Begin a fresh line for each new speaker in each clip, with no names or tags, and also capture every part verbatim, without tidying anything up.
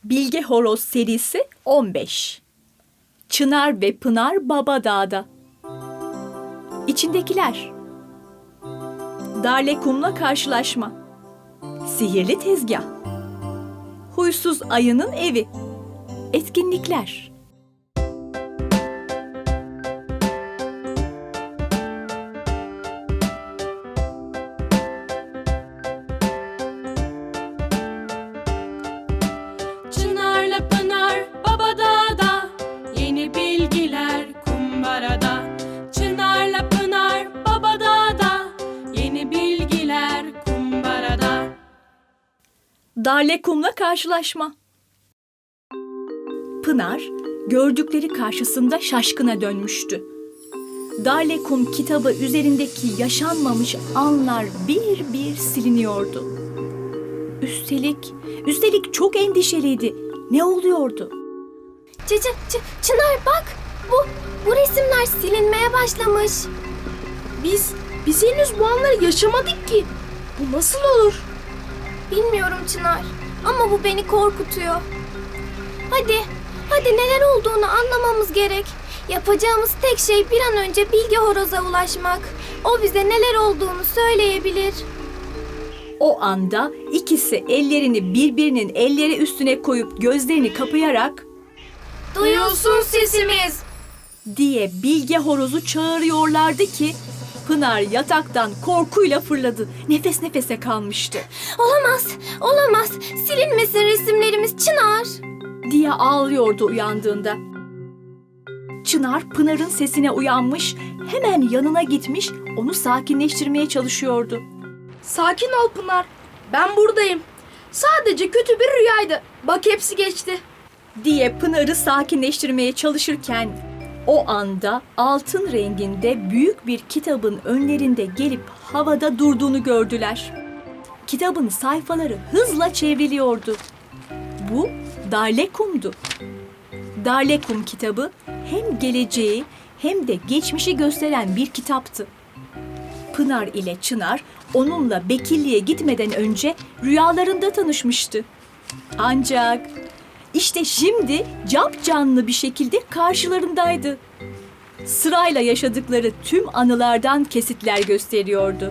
Bilge Horoz serisi on beş. Çınar ve Pınar Babadağ'da. İçindekiler. Darlekum'la karşılaşma. Sihirli tezgah. Huysuz ayının evi. Etkinlikler.
Çınarla Pınar Babadağ'da, yeni bilgiler kumbarada. Çınarla Pınar Babadağ'da, yeni bilgiler kumbarada.
Darlekum'la karşılaşma. Pınar, gördükleri karşısında şaşkına dönmüştü. Darlekum kitabı üzerindeki yaşanmamış anlar bir bir siliniyordu. Üstelik, üstelik çok endişeliydi. Ne oluyordu?
Çı, çı, çı, Çınar bak, bu, bu resimler silinmeye başlamış.
Biz, biz henüz bu anları yaşamadık ki. Bu nasıl olur?
Bilmiyorum Çınar ama bu beni korkutuyor. Hadi, hadi neler olduğunu anlamamız gerek. Yapacağımız tek şey bir an önce Bilge Horoz'a ulaşmak. O bize neler olduğunu söyleyebilir.
O anda ikisi ellerini birbirinin elleri üstüne koyup gözlerini kapayarak
Duyulsun sesimiz.
diye Bilge Horoz'u çağırıyorlardı ki Pınar yataktan korkuyla fırladı. Nefes nefese kalmıştı.
Olamaz, olamaz. Silinmesin resimlerimiz Çınar.
Diye ağlıyordu uyandığında. Çınar Pınar'ın sesine uyanmış, hemen yanına gitmiş, onu sakinleştirmeye çalışıyordu.
Sakin ol Pınar. Ben buradayım. Sadece kötü bir rüyaydı. Bak hepsi geçti.
Diye Pınar'ı sakinleştirmeye çalışırken o anda altın renginde büyük bir kitabın önlerinde gelip havada durduğunu gördüler. Kitabın sayfaları hızla çevriliyordu. Bu Darlekum'du. Darlekum kitabı hem geleceği hem de geçmişi gösteren bir kitaptı. Pınar ile Çınar onunla Bekirli'ye gitmeden önce rüyalarında tanışmıştı. Ancak işte şimdi capcanlı bir şekilde karşılarındaydı. Sırayla yaşadıkları tüm anılardan kesitler gösteriyordu.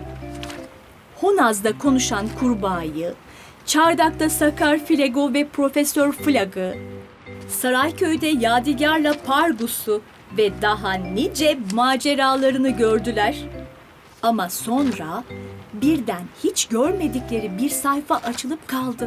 Honaz'da konuşan kurbağayı, Çardak'ta Sakar Filego ve Profesör Flag'ı, Sarayköy'de Yadigar'la Pargus'u ve daha nice maceralarını gördüler. Ama sonra birden hiç görmedikleri bir sayfa açılıp kaldı.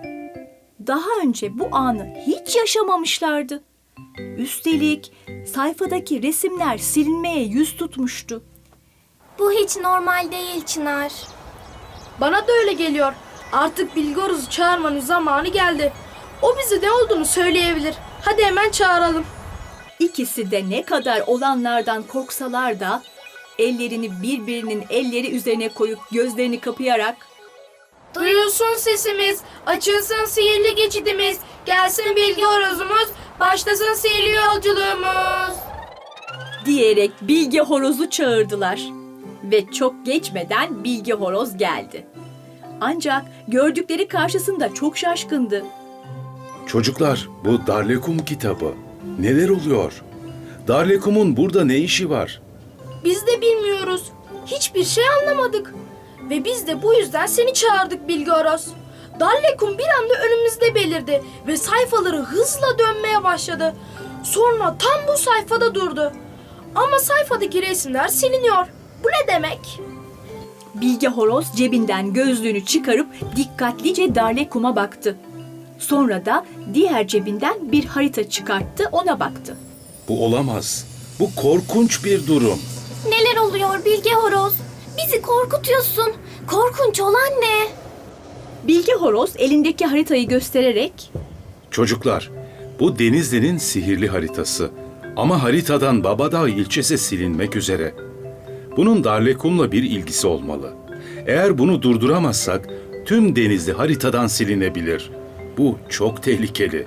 Daha önce bu anı hiç yaşamamışlardı. Üstelik sayfadaki resimler silinmeye yüz tutmuştu.
Bu hiç normal değil Çınar.
Bana da öyle geliyor. Artık Bilge Horoz'u çağırmanın zamanı geldi. O bize ne olduğunu söyleyebilir. Hadi hemen çağıralım.
İkisi de ne kadar olanlardan korksalar da ellerini birbirinin elleri üzerine koyup gözlerini kapayarak
Duyulsun sesimiz, açılsın sihirli geçidimiz, gelsin Bilge Horoz'umuz, başlasın sihirli yolculuğumuz.
diyerek Bilge Horoz'u çağırdılar. Ve çok geçmeden Bilge Horoz geldi. Ancak gördükleri karşısında çok şaşkındı.
Çocuklar, bu Darlekum kitabı. Neler oluyor? Darlekum'un burada ne işi var?
Biz de bilmiyoruz. Hiçbir şey anlamadık. Ve biz de bu yüzden seni çağırdık Bilge Horoz. Darlekum bir anda önümüzde belirdi ve sayfaları hızla dönmeye başladı. Sonra tam bu sayfada durdu. Ama sayfadaki resimler siliniyor. Bu ne demek?
Bilge Horoz cebinden gözlüğünü çıkarıp dikkatlice Darlekum'a baktı. Sonra da diğer cebinden bir harita çıkarttı, ona baktı.
Bu olamaz. Bu korkunç bir durum.
Neler oluyor Bilge Horoz? Bizi korkutuyorsun. Korkunç olan ne?
Bilge Horoz elindeki haritayı göstererek
Çocuklar, bu Denizli'nin sihirli haritası. Ama haritadan Babadağ ilçesi silinmek üzere. Bunun Darlekum'la bir ilgisi olmalı. Eğer bunu durduramazsak tüm Denizli haritadan silinebilir. Bu çok tehlikeli.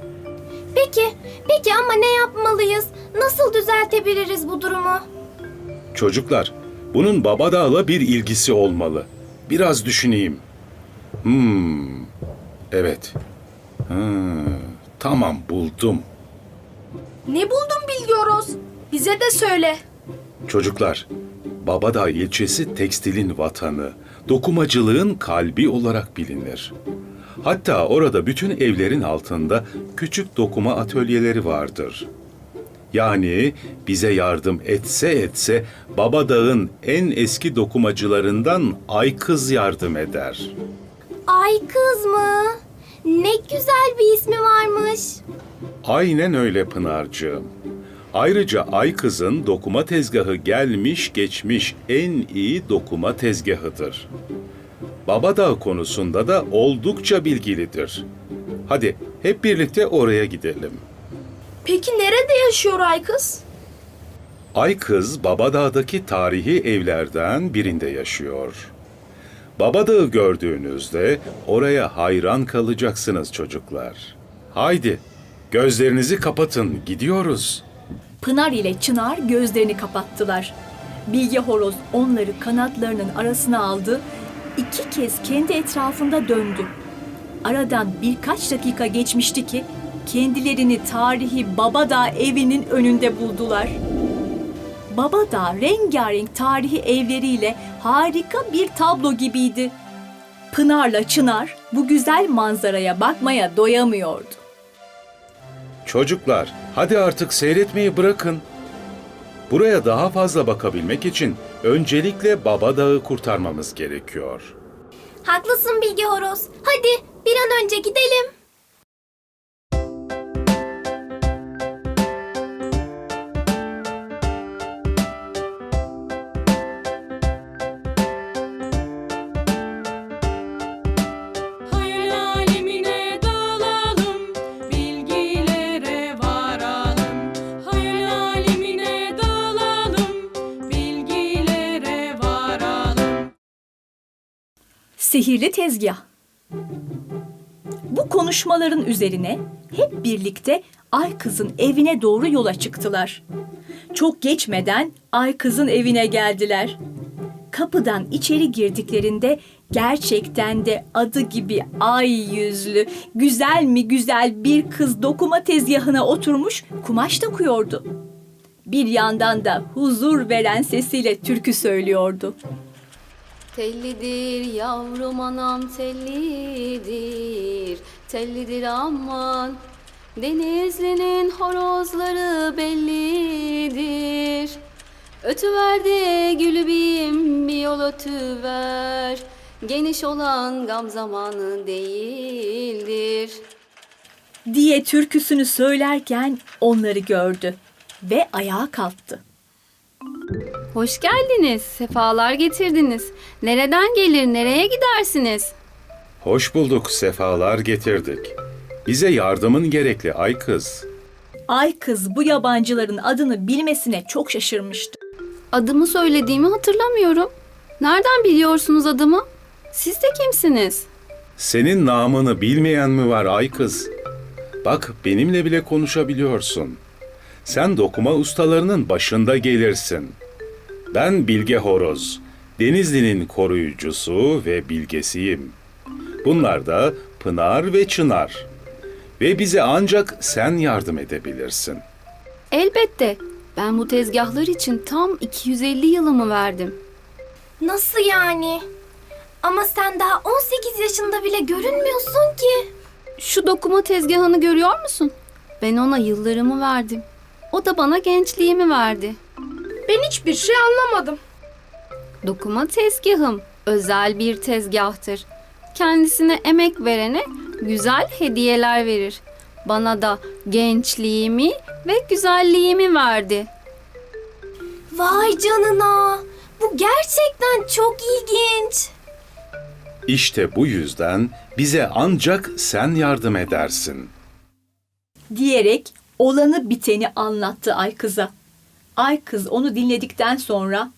Peki, peki ama ne yapmalıyız? Nasıl düzeltebiliriz bu durumu?
Çocuklar, bunun Babadağ'la bir ilgisi olmalı. Biraz düşüneyim. Hmm, evet. Hmm. Tamam, buldum.
Ne buldun Bilge Horoz? Bize de söyle.
Çocuklar, Babadağ ilçesi tekstilin vatanı, dokumacılığın kalbi olarak bilinir. Hatta orada bütün evlerin altında küçük dokuma atölyeleri vardır. Yani bize yardım etse etse Babadağ'ın en eski dokumacılarından Aykız yardım eder.
Ay kız mı? Ne güzel bir ismi varmış.
Aynen öyle Pınar'cığım. Ayrıca Aykız'ın dokuma tezgahı gelmiş geçmiş en iyi dokuma tezgahıdır. Babadağ konusunda da oldukça bilgilidir. Hadi hep birlikte oraya gidelim.
Peki nerede yaşıyor ay kız?
Aykız, Babadağ'daki tarihi evlerden birinde yaşıyor. Babadağ'ı gördüğünüzde oraya hayran kalacaksınız çocuklar. Haydi, gözlerinizi kapatın, gidiyoruz.
Pınar ile Çınar gözlerini kapattılar. Bilge Horoz onları kanatlarının arasına aldı, iki kez kendi etrafında döndü. Aradan birkaç dakika geçmişti ki kendilerini tarihi Babadağ evinin önünde buldular. Babadağ rengarenk tarihi evleriyle harika bir tablo gibiydi. Pınar'la Çınar bu güzel manzaraya bakmaya doyamıyordu.
Çocuklar, hadi artık seyretmeyi bırakın. Buraya daha fazla bakabilmek için öncelikle Babadağ'ı kurtarmamız gerekiyor.
Haklısın Bilge Horoz. Hadi bir an önce gidelim.
Hayal alemine dalalım, bilgilere varalım. Hayal alemine dalalım, bilgilere varalım.
Sihirli tezgah. Bu konuşmaların üzerine hep birlikte Aykız'ın evine doğru yola çıktılar. Çok geçmeden Aykız'ın evine geldiler. Kapıdan içeri girdiklerinde gerçekten de adı gibi ay yüzlü, güzel mi güzel bir kız dokuma tezgahına oturmuş kumaş dokuyordu. Bir yandan da huzur veren sesiyle türkü söylüyordu.
Tellidir yavrum anam tellidir, tellidir aman. Denizli'nin horozları bellidir. Ötüver de gülübim bir yol ötüver. Geniş olan gam zamanı değildir.
Diye türküsünü söylerken onları gördü ve ayağa kalktı.
Hoş geldiniz, sefalar getirdiniz. Nereden gelir, nereye gidersiniz?
Hoş bulduk, sefalar getirdik. Bize yardımın gerekli Aykız.
Aykız bu yabancıların adını bilmesine çok şaşırmıştı.
Adımı söylediğimi hatırlamıyorum. Nereden biliyorsunuz adımı? Siz de kimsiniz?
Senin namını bilmeyen mi var Aykız? Bak benimle bile konuşabiliyorsun. Sen dokuma ustalarının başında gelirsin. Ben Bilge Horoz, Denizli'nin koruyucusu ve bilgesiyim. Bunlar da Pınar ve Çınar. Ve bize ancak sen yardım edebilirsin.
Elbette. Ben bu tezgahlar için tam iki yüz elli yılımı verdim.
Nasıl yani? Ama sen daha on sekiz yaşında bile görünmüyorsun ki.
Şu dokuma tezgahını görüyor musun? Ben ona yıllarımı verdim. O da bana gençliğimi verdi.
Ben hiçbir şey anlamadım.
Dokuma tezgahım özel bir tezgahtır. Kendisine emek verene güzel hediyeler verir. Bana da gençliğimi ve güzelliğimi verdi.
Vay canına. Bu gerçekten çok ilginç.
İşte bu yüzden bize ancak sen yardım edersin.
Diyerek olanı biteni anlattı Aykız'a. Aykız onu dinledikten sonra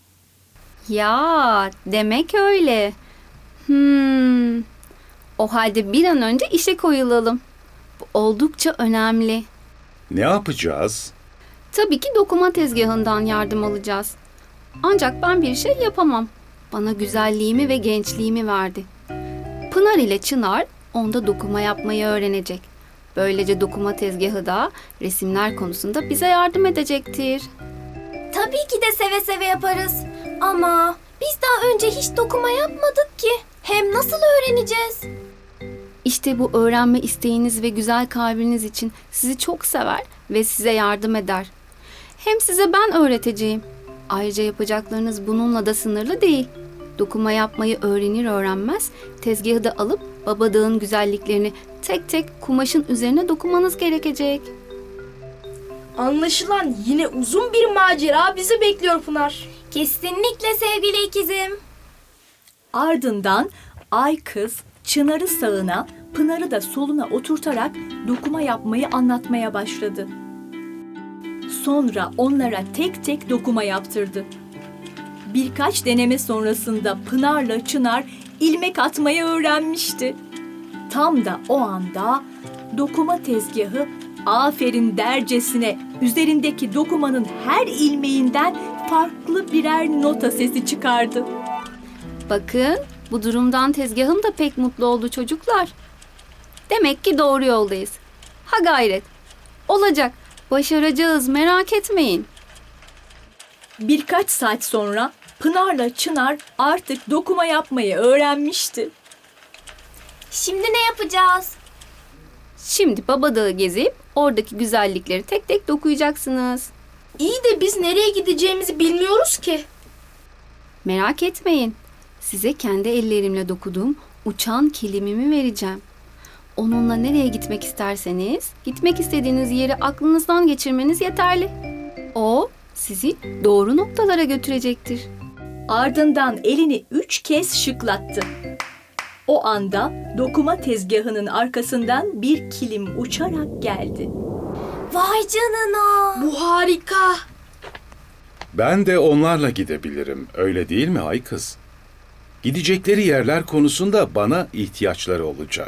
Ya demek öyle. Hmm. O halde bir an önce işe koyulalım. Bu oldukça önemli.
Ne yapacağız?
Tabii ki dokuma tezgahından yardım alacağız. Ancak ben bir şey yapamam. Bana güzelliğimi ve gençliğimi verdi. Pınar ile Çınar onda dokuma yapmayı öğrenecek. Böylece dokuma tezgahı da resimler konusunda bize yardım edecektir.
Tabii ki de seve seve yaparız. Ama biz daha önce hiç dokuma yapmadık ki. Hem nasıl öğreneceğiz?
İşte bu öğrenme isteğiniz ve güzel kalbiniz için sizi çok sever ve size yardım eder. Hem size ben öğreteceğim. Ayrıca yapacaklarınız bununla da sınırlı değil. Dokuma yapmayı öğrenir öğrenmez tezgahı da alıp babadağın güzelliklerini tek tek kumaşın üzerine dokumanız gerekecek.
Anlaşılan yine uzun bir macera bizi bekliyor Pınar.
Kesinlikle sevgili ikizim.
Ardından Ay Kız Çınar'ı sağına, Pınar'ı da soluna oturtarak dokuma yapmayı anlatmaya başladı. Sonra onlara tek tek dokuma yaptırdı. Birkaç deneme sonrasında Pınar'la Çınar ilmek atmayı öğrenmişti. Tam da o anda dokuma tezgahı aferin dercesine üzerindeki dokumanın her ilmeğinden farklı birer nota sesi çıkardı.
Bakın, bu durumdan tezgahım da pek mutlu oldu çocuklar. Demek ki doğru yoldayız. Ha gayret. Olacak. Başaracağız, merak etmeyin.
Birkaç saat sonra Pınar'la Çınar artık dokuma yapmayı öğrenmişti.
Şimdi ne yapacağız?
Şimdi Babadağı gezip oradaki güzellikleri tek tek dokuyacaksınız.
İyi de biz nereye gideceğimizi bilmiyoruz ki.
Merak etmeyin. Size kendi ellerimle dokuduğum uçan kilimimi vereceğim. Onunla nereye gitmek isterseniz, gitmek istediğiniz yeri aklınızdan geçirmeniz yeterli. O sizi doğru noktalara götürecektir.
Ardından elini üç kez şıklattı. O anda dokuma tezgahının arkasından bir kilim uçarak geldi.
Vay canına.
Bu harika.
Ben de onlarla gidebilirim. Öyle değil mi Ay Kız? Gidecekleri yerler konusunda bana ihtiyaçları olacak.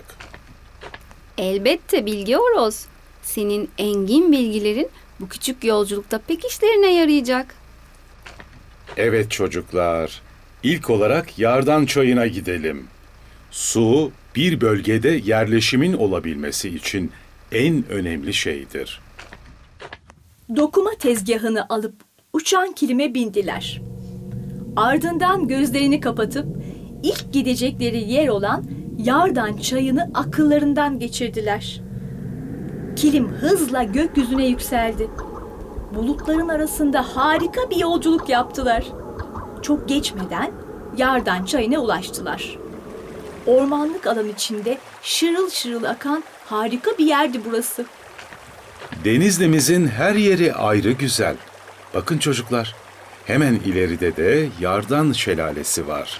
Elbette Bilge Horoz. Senin engin bilgilerin bu küçük yolculukta pek işlerine yarayacak.
Evet çocuklar. İlk olarak Yardan Çayı'na gidelim. Su, bir bölgede yerleşimin olabilmesi için en önemli şeydir.
Dokuma tezgahını alıp uçan kilime bindiler. Ardından gözlerini kapatıp ilk gidecekleri yer olan Yardan Çayı'nı akıllarından geçirdiler. Kilim hızla gökyüzüne yükseldi. Bulutların arasında harika bir yolculuk yaptılar. Çok geçmeden Yardan Çayı'na ulaştılar. Ormanlık alan içinde şırıl şırıl akan harika bir yerdi burası.
Denizli'mizin her yeri ayrı güzel. Bakın çocuklar, hemen ileride de Yardan Şelalesi var.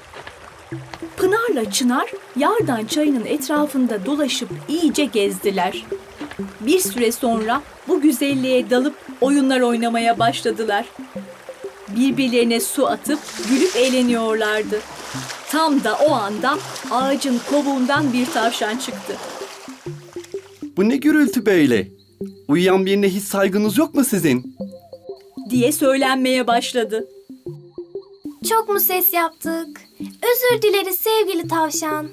Pınar'la Çınar Yardan Çayı'nın etrafında dolaşıp iyice gezdiler. Bir süre sonra bu güzelliğe dalıp oyunlar oynamaya başladılar. Birbirlerine su atıp gülüp eğleniyorlardı. Tam da o anda ağacın kovuğundan bir tavşan çıktı.
Bu ne gürültü böyle? Uyuyan birine hiç saygınız yok mu sizin?
Diye söylenmeye başladı.
Çok mu ses yaptık? Özür dileriz sevgili tavşan.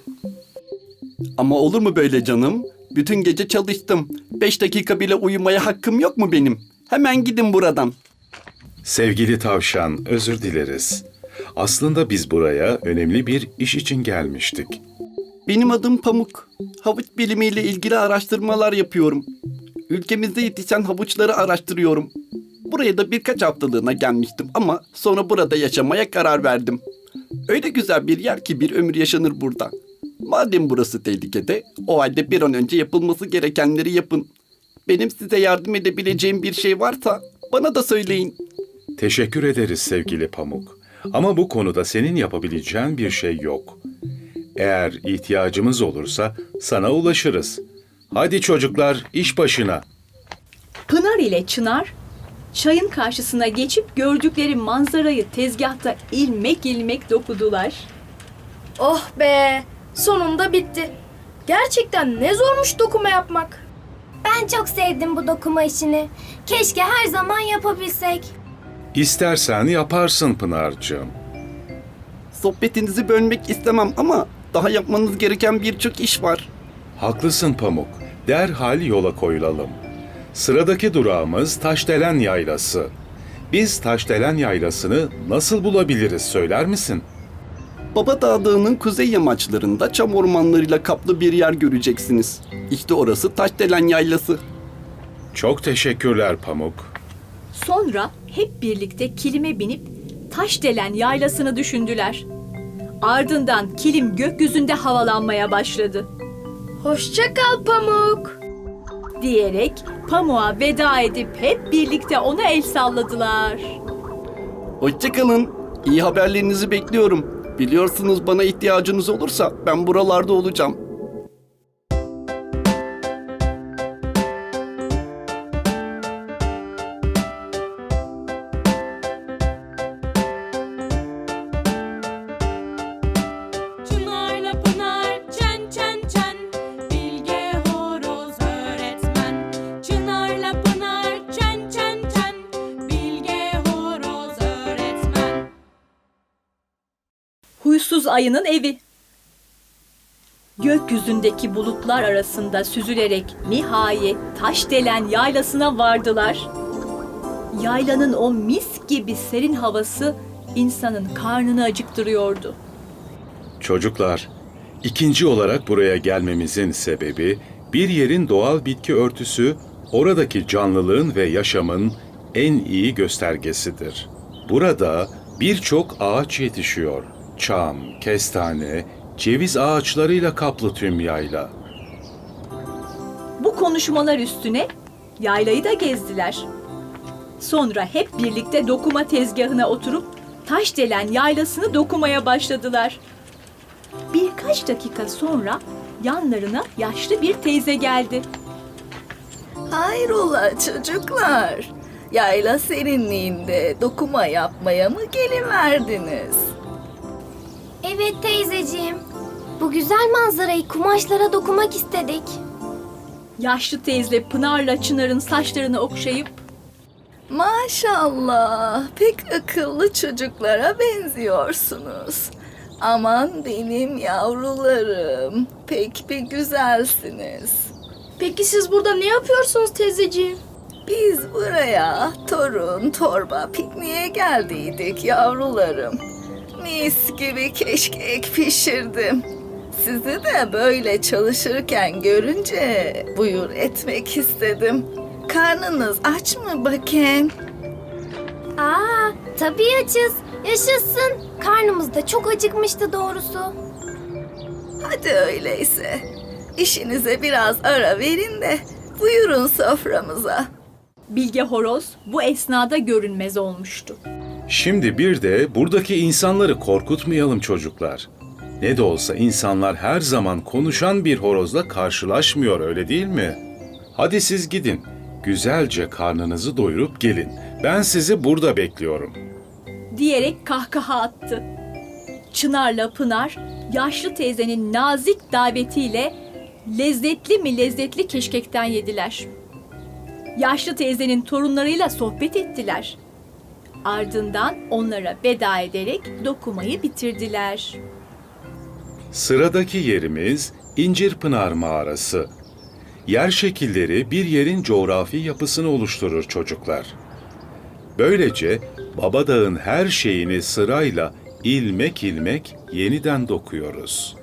Ama olur mu böyle canım? Bütün gece çalıştım. Beş dakika bile uyumaya hakkım yok mu benim? Hemen gidin buradan.
Sevgili tavşan, özür dileriz. Aslında biz buraya önemli bir iş için gelmiştik.
Benim adım Pamuk. Havuç bilimiyle ilgili araştırmalar yapıyorum. Ülkemizde yetişen havuçları araştırıyorum. Buraya da birkaç haftalığına gelmiştim ama sonra burada yaşamaya karar verdim. Öyle güzel bir yer ki bir ömür yaşanır burada. Madem burası tehlikede, o halde bir an önce yapılması gerekenleri yapın. Benim size yardım edebileceğim bir şey varsa bana da söyleyin.
Teşekkür ederiz sevgili Pamuk. Ama bu konuda senin yapabileceğin bir şey yok. Eğer ihtiyacımız olursa sana ulaşırız. Hadi çocuklar, iş başına.
Pınar ile Çınar çayın karşısına geçip gördükleri manzarayı tezgahta ilmek ilmek dokudular.
Oh be, sonunda bitti. Gerçekten ne zormuş dokuma yapmak.
Ben çok sevdim bu dokuma işini. Keşke her zaman yapabilsek.
İstersen yaparsın Pınar'cığım.
Sohbetinizi bölmek istemem ama daha yapmanız gereken birçok iş var.
Haklısın Pamuk. derhal yola koyulalım. Sıradaki durağımız Taşdelen Yaylası. Biz Taşdelen Yaylası'nı nasıl bulabiliriz söyler misin?
Babadağ Dağı'nın kuzey yamaçlarında çam ormanlarıyla kaplı bir yer göreceksiniz. İşte orası Taşdelen Yaylası.
Çok teşekkürler Pamuk.
Sonra hep birlikte kilime binip Taşdelen Yaylası'nı düşündüler. Ardından kilim gökyüzünde havalanmaya başladı.
Hoşça kal Pamuk.
Diyerek Pamuk'a veda edip hep birlikte ona el salladılar.
Hoşçakalın. İyi haberlerinizi bekliyorum. Biliyorsunuz bana ihtiyacınız olursa ben buralarda olacağım.
Çınarla Pınar çen çen çen, Bilge Horoz öğretmen. Çınarla Pınar çen çen çen, Bilge Horoz öğretmen.
Huysuz ayının evi. Gökyüzündeki bulutlar arasında süzülerek nihayet Taşdelen Yaylası'na vardılar. Yaylanın o mis gibi serin havası insanın karnını acıktırıyordu.
Çocuklar, ikinci olarak buraya gelmemizin sebebi bir yerin doğal bitki örtüsü oradaki canlılığın ve yaşamın en iyi göstergesidir. Burada birçok ağaç yetişiyor. Çam, kestane, ceviz ağaçlarıyla kaplı tüm yayla.
Bu konuşmalar üstüne yaylayı da gezdiler. Sonra hep birlikte dokuma tezgahına oturup Taşdelen Yaylası'nı dokumaya başladılar. Birkaç dakika sonra yanlarına yaşlı bir teyze geldi.
Hayrola çocuklar? Yayla serinliğinde dokuma yapmaya mı geliverdiniz?
Evet teyzeciğim. Bu güzel manzarayı kumaşlara dokumak istedik.
Yaşlı teyze Pınar'la Çınar'ın saçlarını okşayıp
Maşallah, pek akıllı çocuklara benziyorsunuz. Aman benim yavrularım, pek bir güzelsiniz.
Peki siz burada ne yapıyorsunuz teyzeciğim?
Biz buraya torun torba pikniğe geldiydik yavrularım. Mis gibi keşkek pişirdim. Sizi de böyle çalışırken görünce buyur etmek istedim. Karnınız aç mı bakayım?
Aa, tabii açız. Yaşasın. Karnımız da çok acıkmıştı doğrusu.
Hadi öyleyse. İşinize biraz ara verin de buyurun soframıza.
Bilge Horoz bu esnada görünmez olmuştu.
Şimdi bir de buradaki insanları korkutmayalım çocuklar. Ne de olsa insanlar her zaman konuşan bir horozla karşılaşmıyor, öyle değil mi? Hadi siz gidin. Güzelce karnınızı doyurup gelin. Ben sizi burada bekliyorum.
Diyerek kahkaha attı. Çınar'la Pınar yaşlı teyzenin nazik davetiyle lezzetli mi lezzetli keşkekten yediler. Yaşlı teyzenin torunlarıyla sohbet ettiler. Ardından onlara veda ederek dokumayı bitirdiler.
Sıradaki yerimiz İncirpınar Mağarası. Yer şekilleri bir yerin coğrafi yapısını oluşturur çocuklar. Böylece Babadağ'ın her şeyini sırayla ilmek ilmek yeniden dokuyoruz.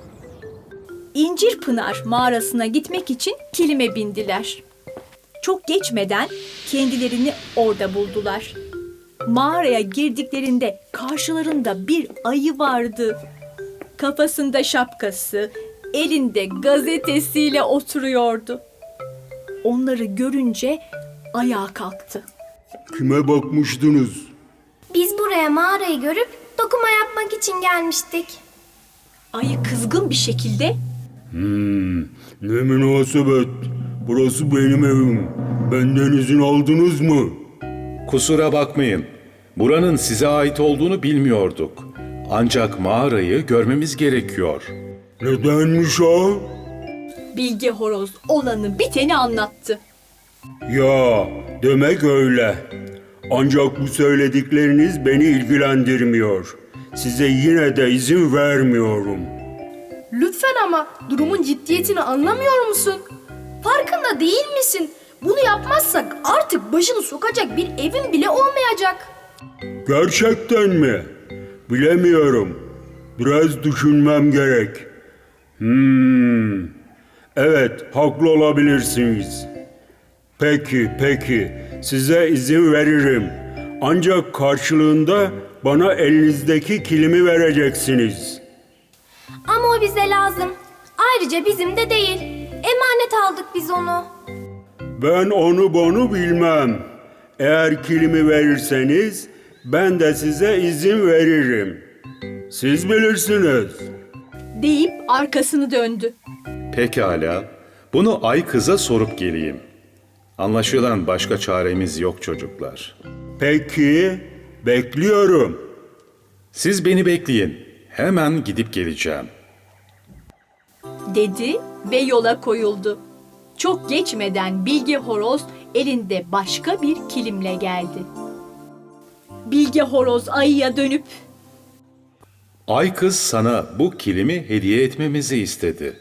İncirpınar mağarasına gitmek için kilime bindiler. Çok geçmeden kendilerini orada buldular. Mağaraya girdiklerinde karşılarında bir ayı vardı. Kafasında şapkası, elinde gazetesiyle oturuyordu. Onları görünce ayağa kalktı.
Kime bakmıştınız?
Biz buraya mağarayı görüp dokuma yapmak için gelmiştik.
Ayı kızgın bir şekilde
Hmm, ne münasebet. Burası benim evim. Benden izin aldınız mı?
Kusura bakmayın. Buranın size ait olduğunu bilmiyorduk. Ancak mağarayı görmemiz gerekiyor.
Nedenmiş o?
Bilge Horoz olanı biteni anlattı.
Ya, demek öyle. Ancak bu söyledikleriniz beni ilgilendirmiyor. Size yine de izin vermiyorum.
Lütfen ama durumun ciddiyetini anlamıyor musun? Farkında değil misin? Bunu yapmazsak artık başını sokacak bir evin bile olmayacak.
Gerçekten mi? Bilemiyorum. Biraz düşünmem gerek. Hmm. Evet, haklı olabilirsiniz. Peki, peki. Size izin veririm. Ancak karşılığında bana elinizdeki kilimi vereceksiniz.
Ama o bize lazım. Ayrıca bizim de değil. Emanet aldık biz onu.
Ben onu bunu bilmem. Eğer kilimi verirseniz ben de size izin veririm. Siz bilirsiniz.
deyip arkasını döndü.
Pekala. Bunu Ay Kız'a sorup geleyim. Anlaşılan başka çaremiz yok çocuklar.
Peki, bekliyorum.
Siz beni bekleyin. Hemen gidip geleceğim.
Dedi ve yola koyuldu. Çok geçmeden Bilge Horoz elinde başka bir kilimle geldi. Bilge Horoz ayıya dönüp
Ay Kız sana bu kilimi hediye etmemizi istedi.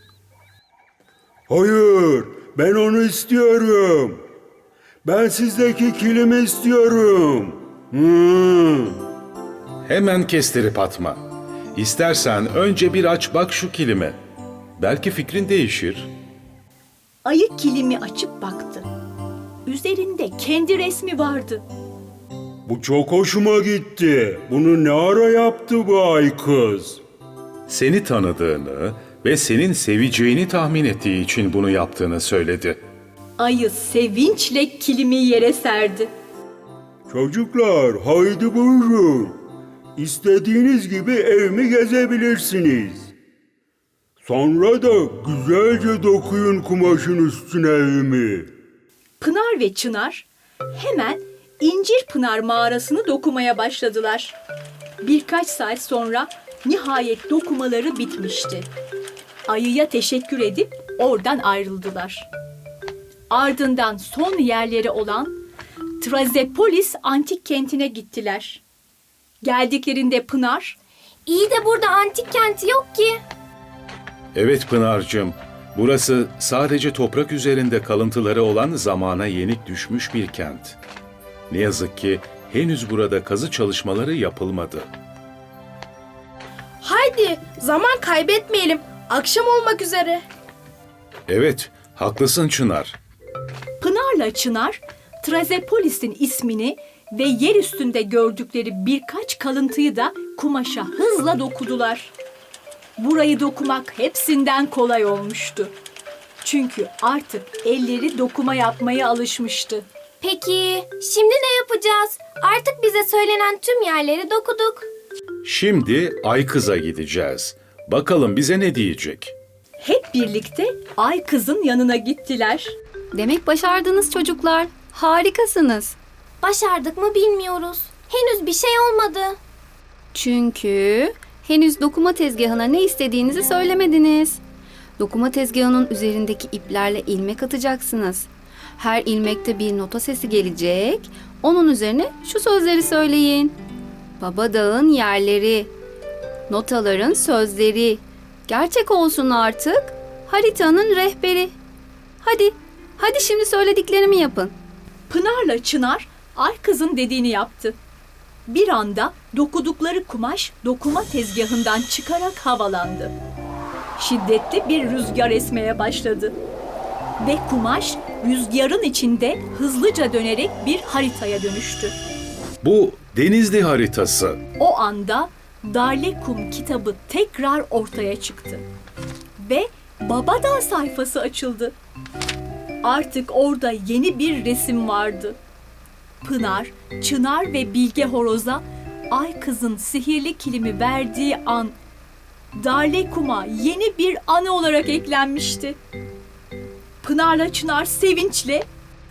Hayır, ben onu istiyorum. Ben sizdeki kilimi istiyorum. Hmm.
Hemen kestirip atma. İstersen önce bir aç bak şu kilime. Belki fikrin değişir.
ayı kilimi açıp baktı. Üzerinde kendi resmi vardı.
Bu çok hoşuma gitti. Bunu ne ara yaptı bu ay kız?
Seni tanıdığını ve senin seveceğini tahmin ettiği için bunu yaptığını söyledi.
Ayı sevinçle kilimi yere serdi.
Çocuklar, haydi buyurun. İstediğiniz gibi evimi gezebilirsiniz. Sonra da güzelce dokuyun kumaşın üstüne evimi.
Pınar ve Çınar hemen İncir Pınar mağarasını dokumaya başladılar. Birkaç saat sonra nihayet dokumaları bitmişti. Ayıya teşekkür edip oradan ayrıldılar. Ardından son yerleri olan Trazepolis antik kentine gittiler. Geldiklerinde Pınar,
İyi de burada antik kenti yok ki.
Evet Pınar'cığım, burası sadece toprak üzerinde kalıntıları olan zamana yenik düşmüş bir kent. Ne yazık ki henüz burada kazı çalışmaları yapılmadı.
Haydi zaman kaybetmeyelim. Akşam olmak üzere.
Evet, haklısın Çınar.
Pınar'la Çınar, Trazepolis'in ismini ve yer üstünde gördükleri birkaç kalıntıyı da kumaşa hızla dokudular. Burayı dokumak hepsinden kolay olmuştu. Çünkü artık elleri dokuma yapmaya alışmıştı.
Peki şimdi ne yapacağız? Artık bize söylenen tüm yerleri dokuduk.
Şimdi Ay Kız'a gideceğiz. Bakalım bize ne diyecek?
Hep birlikte Ay Kız'ın yanına gittiler.
Demek başardınız çocuklar. Harikasınız.
Başardık mı bilmiyoruz. Henüz bir şey olmadı.
Çünkü henüz dokuma tezgahına ne istediğinizi söylemediniz. Dokuma tezgahının üzerindeki iplerle ilmek atacaksınız. Her ilmekte bir nota sesi gelecek. Onun üzerine şu sözleri söyleyin. Baba dağın yerleri, notaların sözleri, gerçek olsun artık, haritanın rehberi. Hadi, hadi şimdi söylediklerimi yapın.
Pınar'la Çınar Ay Kız'ın dediğini yaptı. Bir anda dokudukları kumaş dokuma tezgahından çıkarak havalandı. Şiddetli bir rüzgar esmeye başladı. Ve kumaş rüzgarın içinde hızlıca dönerek bir haritaya dönüştü.
Bu Denizli haritası.
O anda Darlekum kitabı tekrar ortaya çıktı. Ve Babadağ sayfası açıldı. Artık orada yeni bir resim vardı. Pınar, Çınar ve Bilge Horoz'a Ay Kız'ın sihirli kilimi verdiği an Darlekum'a yeni bir anı olarak eklenmişti. Pınar'la Çınar sevinçle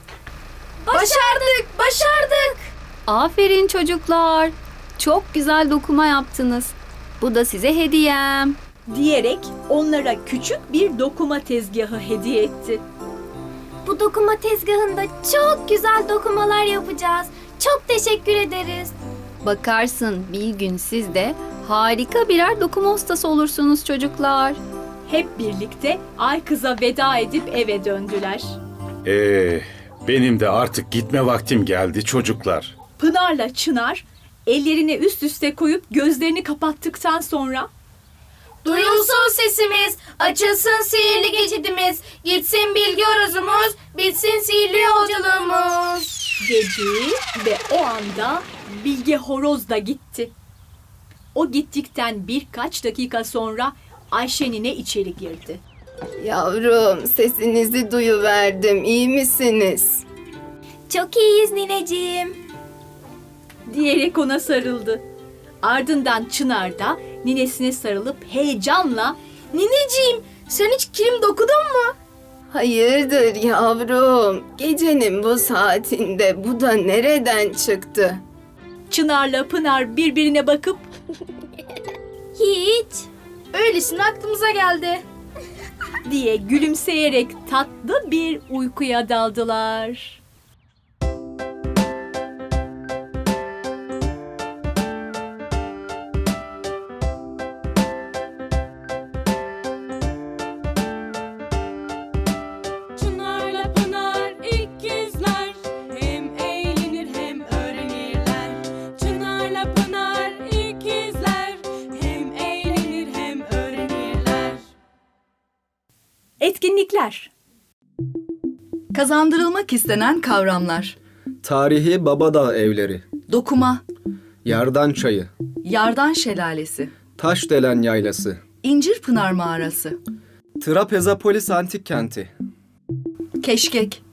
Başardık, başardık.
Aferin çocuklar. Çok güzel dokuma yaptınız. Bu da size hediyem.
diyerek onlara küçük bir dokuma tezgahı hediye etti.
Bu dokuma tezgahında çok güzel dokumalar yapacağız. Çok teşekkür ederiz.
Bakarsın bir gün siz de harika birer dokuma ustası olursunuz çocuklar.
Hep birlikte Ay Kız'a veda edip eve döndüler.
Ee, benim de artık gitme vaktim geldi çocuklar.
Pınar'la Çınar ellerini üst üste koyup gözlerini kapattıktan sonra
Duyulsun sesimiz, açılsın sihirli geçidimiz, gitsin bilgi horozumuz, bitsin sihirli yolculuğumuz.
dedi ve o anda Bilge Horoz da gitti. O gittikten birkaç dakika sonra Ayşe nine içeri girdi.
Yavrum, sesinizi duyuverdim. İyi misiniz?
Çok iyiyiz nineciğim.
Diyerek ona sarıldı. Ardından Çınar da ninesine sarılıp heyecanla
Nineciğim, sen hiç kilim dokudun mu?
Hayırdır yavrum? Gecenin bu saatinde bu da nereden çıktı?
Çınar'la Pınar birbirine bakıp
Hiç.
Öylesine aklımıza geldi.
diye gülümseyerek tatlı bir uykuya daldılar.
Çınarla Pınar ikizler, hem eğlenir hem öğrenirler. Çınarla Pınar ikizler, hem eğlenir hem öğrenirler.
Etkinlikler.
Kazandırılmak istenen kavramlar.
Tarihi Babadağ evleri,
Dokuma,
Yardan çayı,
Yardan şelalesi,
Taşdelen yaylası,
İncirpınar mağarası,
Trapezapolis antik kenti,
Keşkek,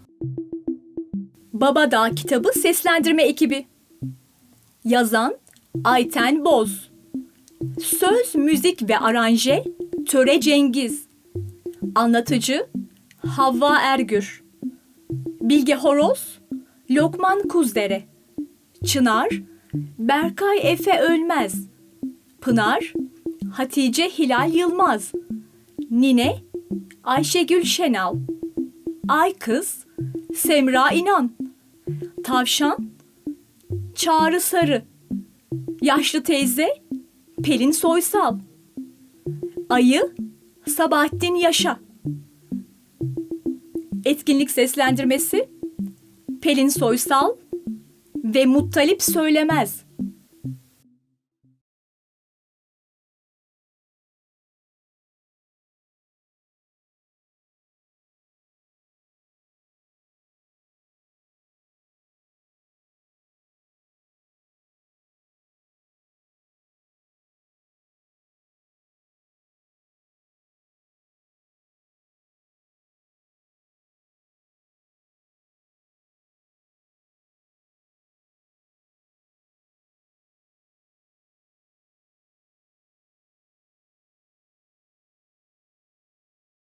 Babadağ kitabı seslendirme ekibi. Yazan Ayten Boz. Söz, müzik ve aranje Töre Cengiz. Anlatıcı Havva Ergür. Bilge Horoz Lokman Kuzdere. Çınar Berkay Efe Ölmez. Pınar Hatice Hilal Yılmaz. Nine Ayşegül Şenal. Ay Kız Semra İnan. Tavşan Çağrı Sarı. Yaşlı teyze Pelin Soysal. Ayı Sabahattin Yaşa. Etkinlik seslendirmesi Pelin Soysal ve Muttalip Söylemez.